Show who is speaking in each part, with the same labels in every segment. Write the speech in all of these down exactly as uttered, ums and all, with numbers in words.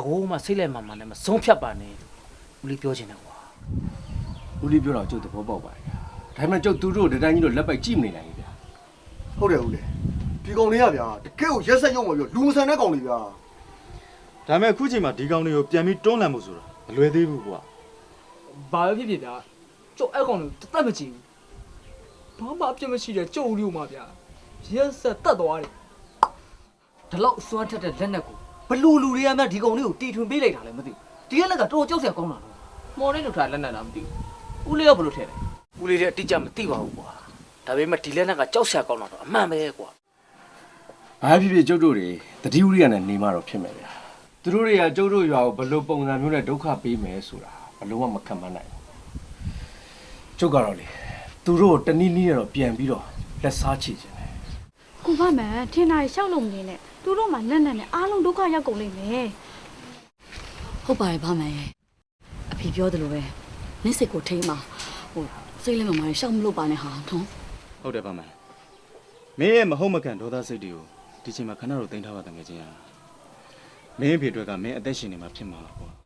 Speaker 1: ကိုမှစိတ်လိုက်မှမှလည်းမဆုံးဖြတ်ပါနဲ့ဦးလေးပြောချင်တယ်ကွာ
Speaker 2: ဦးလေးပြောတော့ကျုပ်သဘောပေါက်ပါတယ်ဒါပေမဲ့ကျုပ်သူတို့ဒီတိုင်းကြီးတော့လက်ပိုက်ကြည့်မနေနိုင်ဘူးဗျာ
Speaker 3: ဟုတ်တယ်ဦးလေဒီကောင်လေးကဗျာတကယ်ကိုရက်ဆက်ရုံမှာပြောလူမဆန်တဲ့ကောင်လေးဗျာ
Speaker 4: ဒါပေမဲ့အခုချိန်မှာဒီကောင်တွေကိုပြန်ပြီးတွန်းလှန်ဖို့ဆိုတာမလွယ်သေးဘူးကွာ
Speaker 5: ဘာပဲဖြစ်ဖြစ်ဗျာကျုပ်အဲ့ကောင်ကိုတသက်မကြည့်ဘူးဘာမှအပြစ်မရှိတဲ့ကျုပ်ဦးလေးကိုမှဗျာရက်ဆက်တတ်သွားတယ်
Speaker 6: ဒီလောက်စွမ်းထက်တဲ့လက်နက်ကိုဘလူလူတွေကမှဒီကောင်လေးကိုတီထွင်ပေးလိုက်တာလည်းမသိဘူးဒီကလက်ကတော်ကြောက်စရာကောင်းတာလို့
Speaker 1: မော်လေးတို့ထားလက်နက်တာမသိဘူးဦးလေးကဘယ်လိုထည့်လဲဦးလေးလည်းအတိအကျမသိပါဘူးကွာဒါပေမဲ့ဒီလက်နက်ကကြောက်စရာကောင်းတာတော့အမှန်ပဲကွာ
Speaker 2: ဘာဖြစ်ဖြစ်ကျုပ်တို့တွေတတိဝရိယနဲ့နေမှတော့ဖြစ်မယ်ဗျာသူတို့တွေကကျုပ်တို့ရွာကိုဘယ်လိုပုံစံမျိုးနဲ့ဒုက္ခပေးမယ်ဆိုတာဘယ်လိုမှမခံမနိုင်ဘူးကျုပ်ကတော့လေသူတို့တနည်းနည်းနဲ့တော့ပြန်ပြီးတော့လက်စားချခြင်းတယ်
Speaker 7: ကိုမမန်ထင်တာရှောက်လို့မနေနဲ့သူတို့မှလက်နဲ့နဲ့အားလုံးဒုက္ခရောက်ကုန်လိမ့်မယ်
Speaker 8: ဟုတ်ပါတယ်ဘာမှန်ရဲ့အဖေပြောတယ်လို့ပဲနစ်စစ်ကိုထိမ့်မှာဟိုစိတ်လည်းမမရှောက်မလို့ပါနဲ့ဟာထုံး
Speaker 4: ဟုတ်တယ်ပါမန်မင်းရဲ့မဟုတ်မကန်ဒေါသစိတ်တွေကိုဒီချိန်မှာခဏတော့တင်ထားပါတငယ်ချင်းဟာမင်းအဖေအတွက်ကမင်းအသက်ရှင်နေမှာဖြစ်မှာကွာ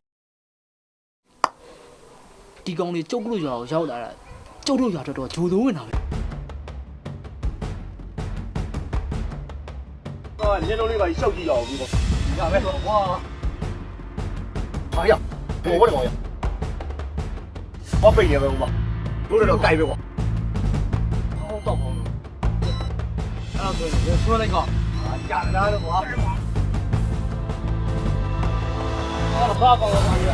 Speaker 5: ဒီကောင်လေးကျုပ်တို့ရွာကိုရောက်လာတာကျုပ်တို့ရွာတော်တော်ဂျိုသုံးဝင်တာပဲ
Speaker 3: ဟာညနေလေးပါရှောက်ကြည့်ရအောင်ဒီပေါ့ရမယ်ဝါဟာရဘောဘောတော့ရဘာပိတ်နေပဲဦးမတို့တော့ကြိုက်ပဲကွာဟောတော့ဟောအဲ့ဒါဆိုရင်ဆွဲလိုက်ကောဟာကြာလာတော့ကွာအော်ဘာကောင်းလဲ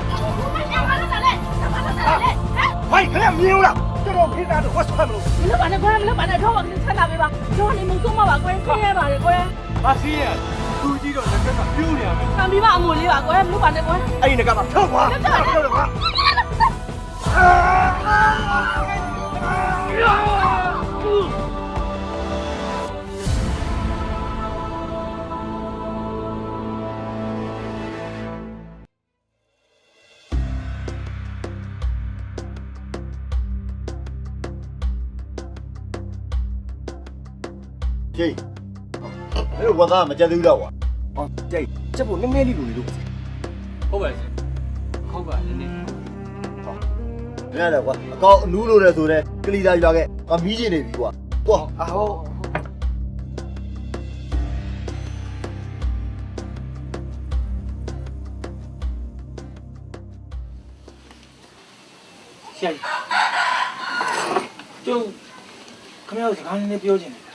Speaker 3: ဟိုင်ခက်မြင်လားကျွန်တော်ခေတ္တတော့ဝတ်ဆွဲမလို့
Speaker 7: မလုပ်ပါနဲ့ကွာမလုပ်ပါနဲ့တော့မဆက်လာပေးပါတော့နေမဆုံးမပါကွာဆင်းရဲပါလေကွာ
Speaker 3: ဘာစီးရသူကြီးတော့လက်ကကပြိုးနေရမယ်
Speaker 7: ခံပြီးပါအမွေလေးပါကွာမလုပ်ပါနဲ့ကွာ
Speaker 3: အဲ့ဒီကမှထောက်ပါထောက်တော့ကွာ
Speaker 9: ဂျေးအဲ့လိုဝတ်သားမကြက်သေးဘူးတော့ကွာ
Speaker 2: ဟောကြိတ်ချက်ဖို့နည်းနည်းလေးလိုနေလို့
Speaker 5: ဟုတ်ပါရဲ့ဟုတ်ပါနည်းနည်း
Speaker 9: မရတော့ကွာအကောက်အနူးလို့လဲဆိုတော့ကလီသာရွာကငါမီးကျင်နေပြီကွာကွာ
Speaker 1: အဟောဆရာကြီးကျုပ်ခမရစကားနည်းနည်းပြောချင်တယ်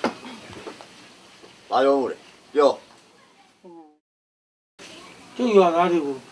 Speaker 9: ဘာပြောလို့လဲပြော
Speaker 1: ကျုပ်ရွာသားတွေကို